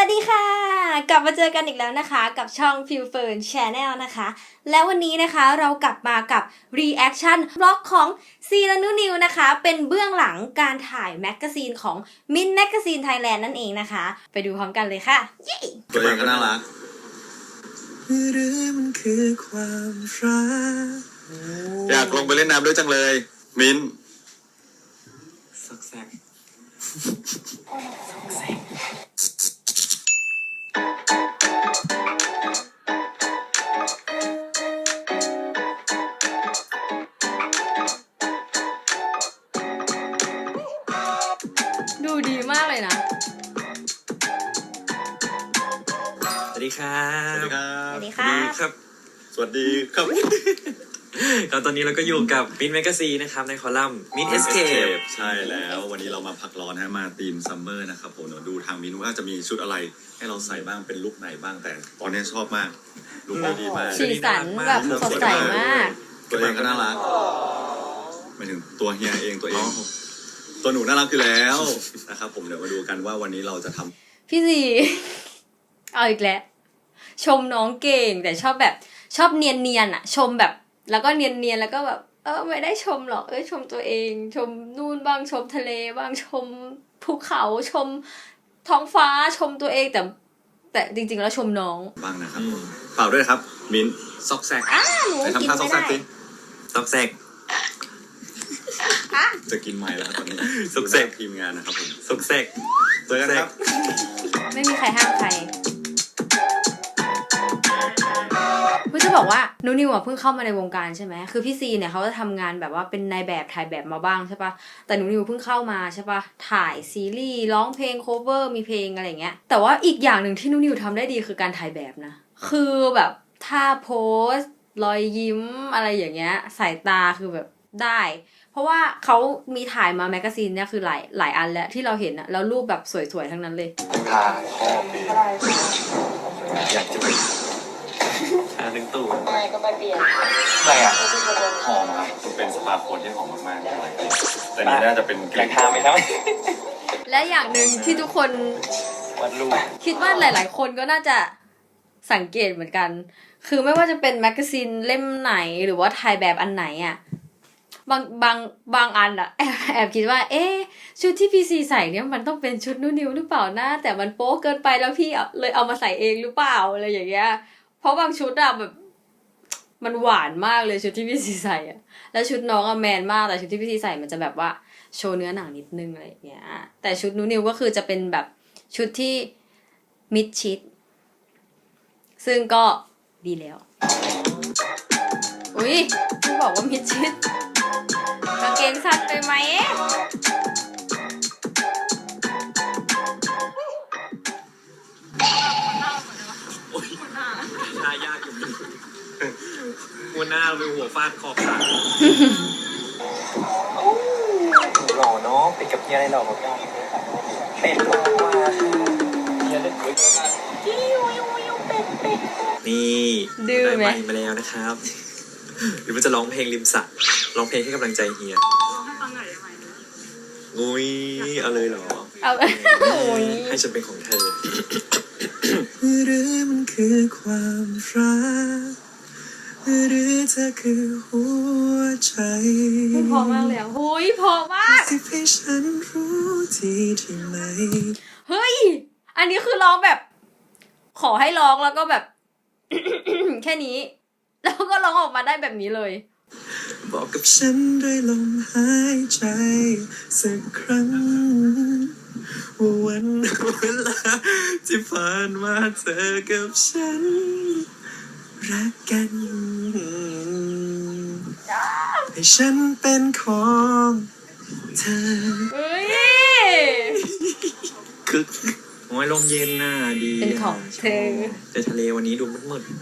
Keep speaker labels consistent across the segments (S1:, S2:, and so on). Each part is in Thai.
S1: วัสดีค่ะกลับมาเจอกันอีกแล้วนะคะกับช่อง Feel Fern Channel นะคะและวันนี้นะคะเรากลับมากับ Reaction บล็อกของซีและนุนิวนะคะเป็นเบื้องหลังการถ่ายแมกกาซีนของ Mint Magazine Thailand นั่นเองนะคะไปดูพร้อมกันเลยค่ะเย้
S2: ตัวเองก็น่ารัก
S3: หรือมันคือความรัก
S2: อยากลงไปเล่นน้ำด้วยจังเลยมิ้น
S3: สักแซก
S1: ดูดีมากเลยนะ
S3: สวัสดีครับ
S2: สวัสดีครับ
S1: สวัสดีครับ
S2: สวัสดีครับ
S3: ก็ตอนนี้เราก็อยู่กับมินแมกซีนะครับในคอลัมน์มินเอสเคป
S2: ใช่แล้ววันนี้เรามาพักร้อนมาธีมซัมเมอร์นะครับผมดูทางมิ้นว่าจะมีชุดอะไรให้เราใส่บ้างเป็นลุคไหนบ้างแต่ตอนนี้ชอบมากลุคดีมาก
S1: สีสันแบบสดใสมาก
S2: ตัวเองก็น่ารักหมายถึงตัวเฮียเองตัวเองตัวหนูน่ารักอยู่แล้วนะครับผมเดี๋ยวมาดูกันว่าวันนี้เราจะทำ
S1: พี่ซีเอาอีกแล้วชมน้องเก่งแต่ชอบแบบชอบเนียนๆอ่ะชมแบบแล้วก็เนียนๆแล้วก็แบบไม่ได้ชมหรอกชมตัวเองชมนู่นบ้างชมทะเลบ้างชมภูเขาชมท้องฟ้าชมตัวเองแต่จริงๆแล้วชมน้อง
S2: บ้างนะครับเปล่าด้วยครับมิ้น
S3: ซอกแซก
S1: หนูกินไม่ได้
S3: ซอกแซก
S2: จะกินไม้แล้วตอนนี้
S3: ซอกแซก
S2: ทีมงานนะครับผม
S3: ซอกแซก
S2: เจอกันครับ
S1: ไม่มีใครห้ามใครเพื่อจะบอกว่านูนิวเพิ่งเข้ามาในวงการใช่ไหมคือพี่ซีเนี่ยเขาจะทำงานแบบว่าเป็นนายแบบถ่ายแบบมาบ้างใช่ปะแต่นูนิวเพิ่งเข้ามาใช่ปะถ่ายซีรีส์ร้องเพลงโคเวอร์มีเพลงอะไรเงี้ยแต่ว่าอีกอย่างหนึ่งที่นูนิวทำได้ดีคือการถ่ายแบบนะคือแบบท่าโพสรอยยิ้มอะไรอย่างเงี้ยสายตาคือแบบได้เพราะว่าเขามีถ่ายมาแมกกาซีนเนี่ยคือหลายอันแล้วที่เราเห็นอะแล้วรูปแบบสวยๆทั้งนั้นเลย
S2: ถ่ายข้อปีอยากจะไป
S3: ชาหนึ่งตู้
S4: ไม่ก็ไปเปลี่ยน
S2: อะไรอ่ะหอมครับเป็นสปาโคนที่หอมมากๆแต่นี่น่าจะเป็น
S3: แรงทาไหมครับ
S1: และอย่างหนึ่งที่ทุกคน
S3: วัดรูป
S1: คิดว่าหลายๆคนก็น่าจะสังเกตเหมือนกันคือไม่ว่าจะเป็นแมกกาซีนเล่มไหนหรือว่าถ่ายแบบอันไหนอะบางอันอะแอบคิดว่าชุดที่พี่ซีใส่เนี่ยมันต้องเป็นชุดนูนิวหรือเปล่านะแต่มันโป๊เกินไปแล้วพี่เลยเอามาใส่เองหรือเปล่าอะไรอย่างเงี้ยเพราะบางชุดอะแบบมันหวานมากเลยชุดที่พี่ซีใส่อะแล้วชุดน้องอะแมนมากแต่ชุดที่พี่ซีใส่มันจะแบบว่าโชว์เนื้อหนังนิดนึงอะไรอย่างเงี้ยแต่ชุดนูนิวก็คือจะเป็นแบบชุดที่มิดชิดซึ่งก็ดีแล้วอุ๊ยพี่บอกว่ามิดชิดกางเกงสั้นไปไหม
S3: ทายากอยู่หัวหน้าเป็นหัวฟาดคอขาด
S4: หล่อเนาะเป็นกับเฮียอะไรหล่อกับกันเป็นหล่อว่าเฮียเล่นด้วยกัน
S3: นี่ได้ไมค์มาแล้วนะครับหรือมันจะร้องเพลงริมสระร้องเพลงให้กำลังใจเฮียร้องให้ฟังหน่อยได้ไหมงุ้ยเอาเลยเหรอ
S1: เอา
S3: ให้ฉันเป็นของเธอหรือมันคือความรักหรือเธอคือหัวใจ
S1: พอมากเลยโอ้ยพอมาก
S3: สิให้ฉันรู้ที่ไหน
S1: เฮ้ยอันนี้คือร้องแบบขอให้ร้องแล้วก็แบบ แค่นี้แล้วก็ร้องออกมาได้แบบนี้เลย
S3: บอกกับฉันด้วยลมหายใจสักครั้งว่าวันเวลาที่ผ่านมาเธอกับฉันรักกันให้ฉันเป็นของเธอ
S1: เฮ้ย
S3: คึกโอ้ยลมเย็นน่ะดี
S1: เป็นของเธอ
S3: แต่ทะเลวันนี้ดูมืดๆ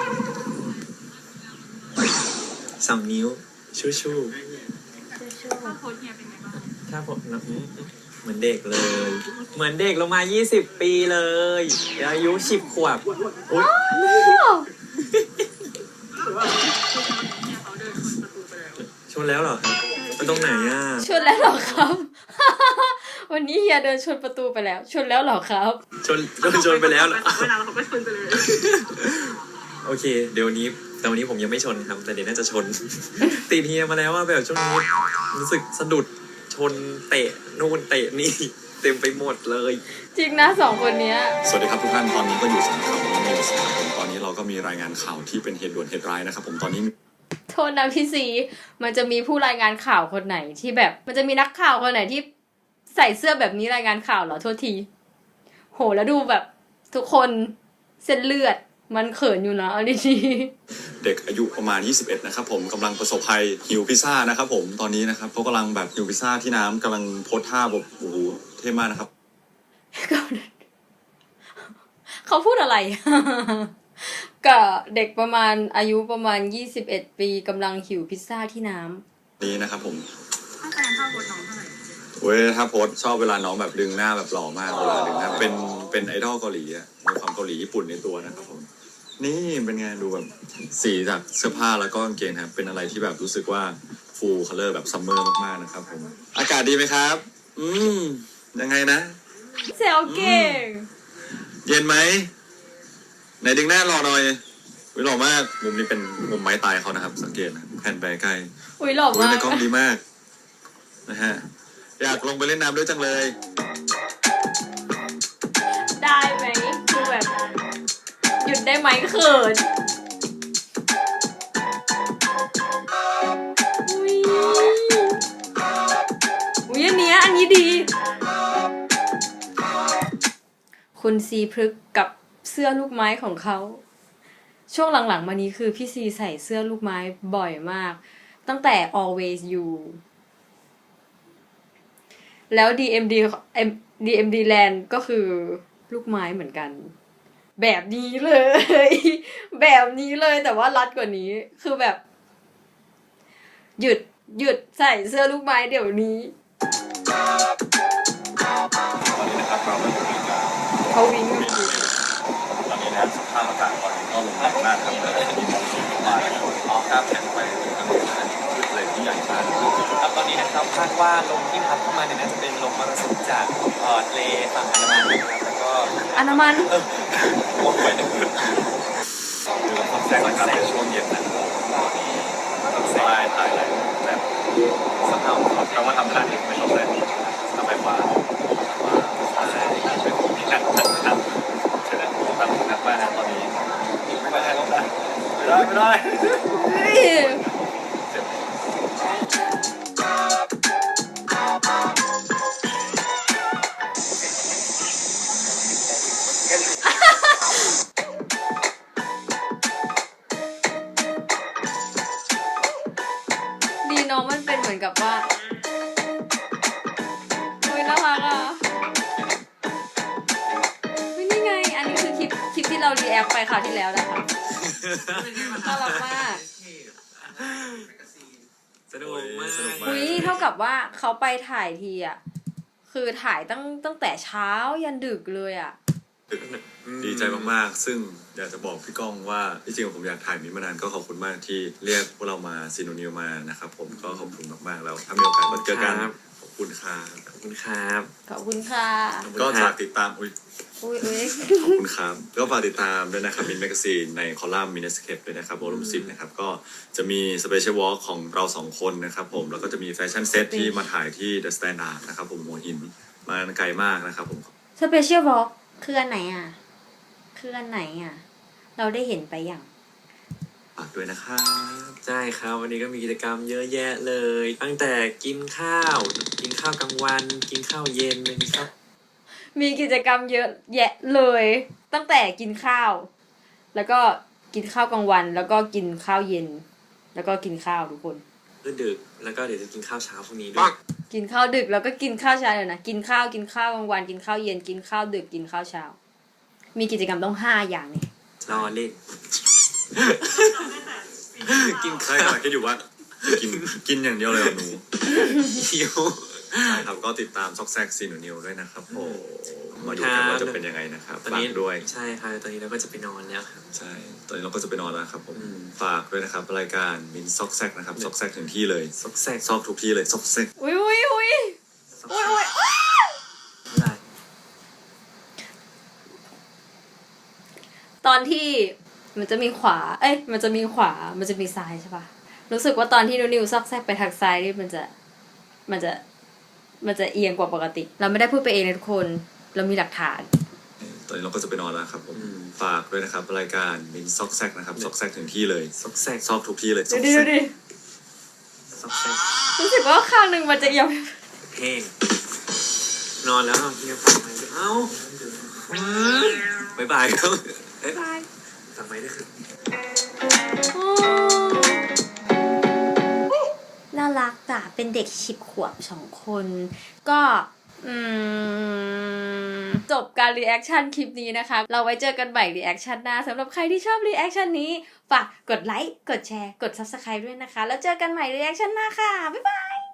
S3: 2 นิ้วชู่ถ้าโพสเฮียเป็นไงบ้างถ้าผมนะเหมือนเด็กเลยเหมือนเด็กลงมา20 ปีเลยอายุ10 ขวบอุ๊ยชนแล้วเหรอไปตรงไหนอ่ะ
S1: ชนแล้วเหรอครับวันนี้เฮียเดินชนประตูไปแล้ว ชนแล้วเหรอครับ
S3: ชนไปแล้วเหรอ
S5: เวลาเราก็ชนไปเลย
S3: โอเค เดี๋ยวนี้แต่วันนี้ผมยังไม่ชนครับ แต่เดี๋ยวน่าจะชน ติดเฮียมาแล้วว่าแบบช่วงนี้รู้สึกสะดุดชนเตะนู่นเตะนี่ เต็มไปหมดเลย
S1: จริงนะสองคนเนี้ย
S2: สวัสดีครับทุกท่านตอนนี้ก็อยู่สำนักข่าวนิวส์นะครับผมตอนนี้เราก็มีรายงานข่าวที่เป็นเหตุด่วนเหตุร้ายนะครับผมตอนนี้
S1: โทษนะพี่ซีมันจะมีผู้รายงานข่าวคนไหนที่แบบ มันจะมีนักข่าวคนไหนที่ใส่เสื้อแบบนี้รายงานข่าวเหรอโทษที โหแล้วดูแบบทุกคนเส้นเลือดมันเขินอยู่นะเอาดี
S2: เด็กอายุประมาณ 21 นะครับผมกำลังประสบภัยหิวพิซซ่านะครับผมตอนนี้นะครับเขากำลังแบบหิวพิซซ่าที่น้ำกำลังโพสท่าแบบโอ้โหเท่มากนะครับ
S1: ๆเขาพูดอะไร กับเด็กประมาณอายุประมาณ21 ปีกำลังหิวพิซซ่าที่น้ำ
S2: นี้นะครับผม
S5: ต้องคะแนนเท่าโค้ชน้องเท่าไหร่
S2: เว้ยถ้าโพสชอบเวลาน้องแบบดึงหน้าแบบหล่อมากเวลาดึงหน้าเป็นไอดอลเกาหลีอะมีความเกาหลีญี่ปุ่นในตัวนะครับผมนี่เป็นไงดูแบบสีจากเสื้อผ้าแล้วก็กางเกงนะครับเป็นอะไรที่แบบรู้สึกว่าฟูลคัลเลอร์แบบซัมเมอร์มากๆนะครับผมอากาศดีไหมครับยังไงนะ
S1: แซวเก่ง
S2: เย็นไหมไหนดึงหน้าหล่อหน่อยวิหล่อมากมุมนี้เป็นมุมไม้ตายเขานะครับ สังเกตนะแผ่นไปใกล้
S1: อุ้ยหล่อ
S2: อุ้ย
S1: มาก
S2: ในกล้องดีมากนะฮะอยากลงไปเล่นน้ำด้วยจังเลย
S1: ได้ไหมคือแบบหยุดได้ไหมเขินอุ้ยอุ้ยอันนี้ดี คุณซีพฤกษ์กับเสื้อลูกไม้ของเขา ช่วงหลังๆมานี้คือพี่ซีใส่เสื้อลูกไม้บ่อยมาก ตั้งแต่ always you แล้ว DMD Land ก็คือลูกไม้เหมือนกัน แบบนี้เลย แบบนี้เลยแต่ว่ารัดกว่านี้คือแบบ หยุดใส่เสื้อลูกไม้เดี๋ยวนี้
S2: ตอนนี้นะครับเราก็อยู่ในการ
S1: เขาวิ่งกันอยู่
S2: ตอนนี้นะสภาพอากาศตอนนี้ก็ลมแรงมากครับมีมรสุมเข้ามานะครับออกครับแผ่นไปทางเหนือขึ้นเลยที่ใหญ่มาก
S4: ครับตอนนี้นะครับคาดว่าลมที่พัดเข้ามาเนี่ยน่าจะเป็นลมมรสุมจากทะเลฝั่งอันดามันนะครับแล้วก็
S1: อนามัน
S4: วนไปนึง
S2: คือเราทำแสงอากาศในช่วงเย็นนะครับตอนนี้ต้องใช้ถ่ายอะไรแบบสภาพคำว่าทำท่านี้ไม่ชอบเลยทำไมว่าเป็นที่หนักใช่ไหมทำหนักมากนะตอนนี้ไม่ได้ไม่ได้
S1: เฮ้ย ดีน้องมันเป็นเหมือนกับว่าโอ้ยน่ารักอ่ะไม่นี่ไง อันนี้คือคลิปที่เรารีแอคไปคราวที่แล้วนะคะน่ารักมาก
S3: สนุกมาก
S1: อุ้ยเท่ากับว่าเขาไปถ่ายทีอ่ะ คือถ่ายตั้งแต่เช้ายันดึกเลยอ่ะ
S2: ดีใจมากๆซึ่งอยากจะบอกพี่ก้องว่าที่จริงผมอยากถ่ายมิตรมานานก็ขอบคุณมากที่เรียกพวกเรามาซีโนนิวมานะครับผมก็ขอบคุณมากๆแล้วถ้ามีโอกาสมาเจอกันขอบคุณครับ
S3: ขอบคุณครับ
S1: ขอบคุณค่ะ
S2: ก็ฝากติดตามอุ้ย
S1: อุ้ย
S2: ขอบคุณครับก็ฝากติดตามด้วยนะครับมินแมกซีนในคอลัมน์มินสเคปด้วยนะครับวอลุ่ม10นะครับก็จะมีสเปเชียลวอล์กของเรา2คนนะครับผมแล้วก็จะมีแฟชั่นเซตที่มาถ่ายที่เดอะสแตนดาร์ดนะครับผมหัวหินมาไกลมากนะครับผม
S1: สเปเชียลบล็อกคืออันไหนอ่ะ คืออันไหนอ่ะ เราได้เห็นไปอย่าง
S2: ฝากด้วยนะครับ
S3: ใช่ครับวันนี้ก็มีกิจกรรมเยอะแยะเลย ตั้งแต่กินข้าวกลางวัน กินข้าวเย็นนะครับ
S1: มีกิจกรรมเยอะแยะเลย ตั้งแต่กินข้าว แล้วก็กินข้าวกลางวัน แล้วก็กินข้าวเย็น แล้วก็กินข้าวทุกคน
S3: ก็ดึกแล้วก็เดี๋ยวจะกินข้าวเช้าพรุ่งนี้ด้วย
S1: กินข้าวดึกแล้วก็กินข้าวเช้าเลยนะกินข้าวกลางวันกินข้าวเย็นกินข้าวดึกกินข้าวเช้า มีกิจกรรมต้อง5อย่างนี่
S3: รอเล่น
S2: กินใช่กำลังคิดอยู่ว่าจะกินอย่างเดียวเลยเหรอหนู
S3: หิว
S2: ใช่ครับก็ติดตามซอกแซกซีโนนิวด้วยนะครับผมมาดูกันว่าจะเป็นยังไงนะครับ
S3: ตอน
S2: ฝาก
S3: นี้
S2: ด้วย
S3: ใช่ครับตอนนี้เราก็จะไปนอนแล้วครับ
S2: ใช่ ตอนนี้เราก็จะไปนอนแล้วครับผม
S3: อืม
S2: ฝากด้วยนะครับรายการมินซอกแซกนะครับซอกแซกถึงที่เลย
S3: ซอกแซก
S2: ซอกทุกที่เลยซอกแซก
S1: อุ้ยอุ้ยอุ้ย
S3: ซอก
S1: อุ้ย
S3: แซ
S1: อุ้
S3: ก
S1: ยตอนที่มันจะมีขวา มันจะมีขวา มันจะมีซ้ายใช่ปะรู้สึกว่าตอนที่นิวซอกแซกไปทางซ้ายนี่มันจะเอียงกว่าปกติ เราไม่ได้พูดไปเองนะทุกคน เรามีหลักฐาน
S2: ตอนนี้เราก็จะไปนอนแล้วครับผมฝากด้วยนะครับรายการมินซอกแซกนะครับซอกแซกถึงที่เลย
S3: ซอกแซก
S2: ซอกทุกที่เลยซอก
S1: ดู
S2: แซ
S1: ดิ
S2: ก
S3: ซอกแซก
S1: รู้สึกว่าข้างหนึ่งมันจะเอียง
S3: เพลงนอนแล้วเอาเฮียฟังไหมเอ้าบ๊ายบายครับบ๊ายบายฟังไหมด้วยครับ
S1: น่ารักจ้ะเป็นเด็ก10 ขวบ2 คน ก็จบการรีแอคชั่นคลิปนี้นะคะ เราไว้เจอกันใหม่รีแอคชั่นหน้าสำหรับใครที่ชอบรีแอคชั่นนี้ฝากกดไลค์กดแชร์กด Subscribe ด้วยนะคะแล้วเจอกันใหม่รีแอคชั่นหน้าค่ะบ๊ายบาย